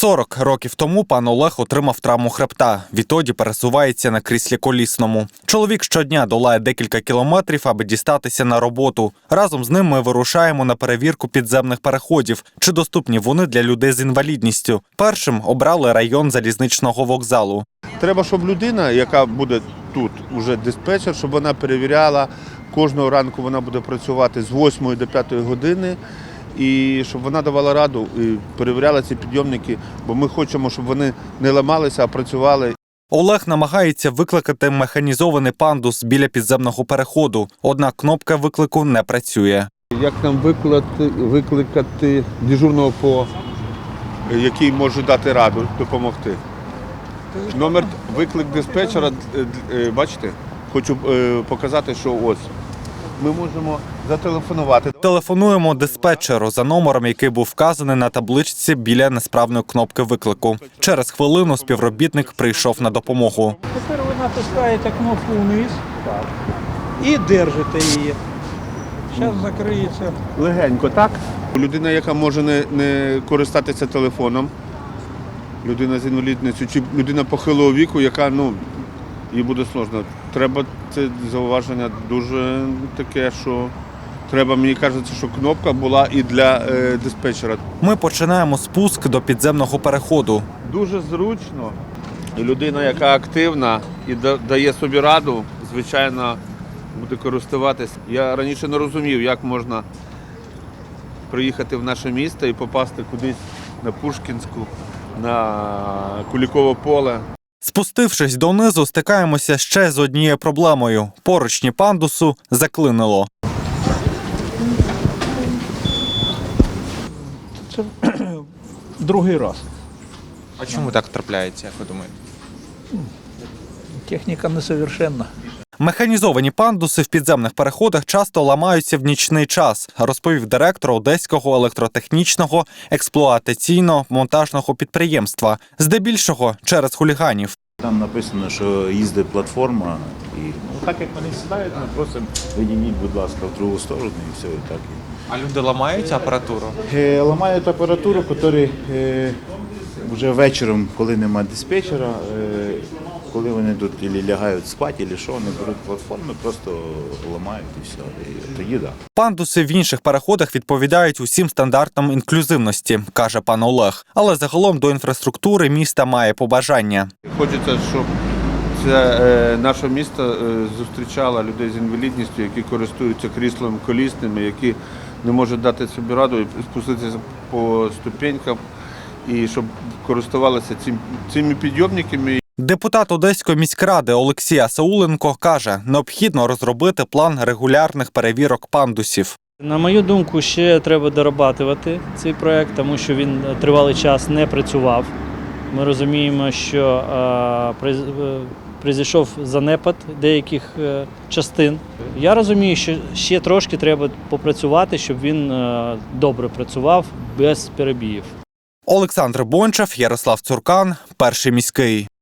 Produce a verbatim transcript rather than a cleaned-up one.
сорок років тому пан Олег отримав травму хребта. Відтоді пересувається на кріслі колісному. Чоловік щодня долає декілька кілометрів, аби дістатися на роботу. Разом з ним ми вирушаємо на перевірку підземних переходів, чи доступні вони для людей з інвалідністю. Першим обрали район залізничного вокзалу. Треба, щоб людина, яка буде тут, уже диспетчер, щоб вона перевіряла, кожного ранку вона буде працювати з восьмої до п'ятої години, і щоб вона давала раду і перевіряла ці підйомники, бо ми хочемо, щоб вони не ламалися, а працювали. Олег намагається викликати механізований пандус біля підземного переходу, однак кнопка виклику не працює. Як нам викликати, викликати дежурного по, який може дати раду, допомогти? Номер виклик диспетчера, бачите, хочу показати, що ось. Ми можемо зателефонувати. Телефонуємо диспетчеру за номером, який був вказаний на табличці біля несправної кнопки виклику. Через хвилину співробітник прийшов на допомогу. Тепер ви натискаєте кнопку вниз і держите її. Зараз закриється. Легенько, так? Людина, яка може не, не користатися телефоном, людина з інвалідністю, чи людина похилого віку, яка, ну, їй буде сложно. Треба, це зауваження дуже таке, що треба, мені кажеться, що кнопка була і для е, диспетчера. Ми починаємо спуск до підземного переходу. Дуже зручно. І людина, яка активна і дає собі раду, звичайно, буде користуватись. Я раніше не розумів, як можна приїхати в наше місто і попасти кудись на Пушкінську, на Куликове поле. Спустившись донизу, стикаємося ще з однією проблемою. Поручні пандусу заклинило. Це другий раз. А чому так трапляється, як ви думаєте? Техніка несовершенна. Механізовані пандуси в підземних переходах часто ламаються в нічний час, розповів директор Одеського електротехнічного експлуатаційно-монтажного підприємства. Здебільшого через хуліганів. Там написано, що їздить платформа, і ну, так як вони сідають, ми просимо, відійдіть, будь ласка, в другу сторону, і все, і так. А люди ламають апаратуру? Е, ламають апаратуру, яка е, вже вечором, коли немає диспетчера, е, коли вони тут або лягають спати, або що, вони беруть платформи, просто ламають і все, і тоді так. Пандуси в інших переходах відповідають усім стандартам інклюзивності, каже пан Олег. Але загалом до інфраструктури міста має побажання. Хочеться, щоб це е, наше місто е, зустрічало людей з інвалідністю, які користуються кріслом колісними, які не можуть дати собі раду і спуститися по ступенькам, і щоб користувалися цим, цими підйомниками. Депутат Одеської міськради Олексій Асауленко каже, необхідно розробити план регулярних перевірок пандусів. На мою думку, ще треба дорабатувати цей проект, тому що він тривалий час не працював. Ми розуміємо, що прийшов занепад деяких частин. Я розумію, що ще трошки треба попрацювати, щоб він добре працював без перебоїв. Олександр Бончав, Ярослав Цуркан, Перший міський.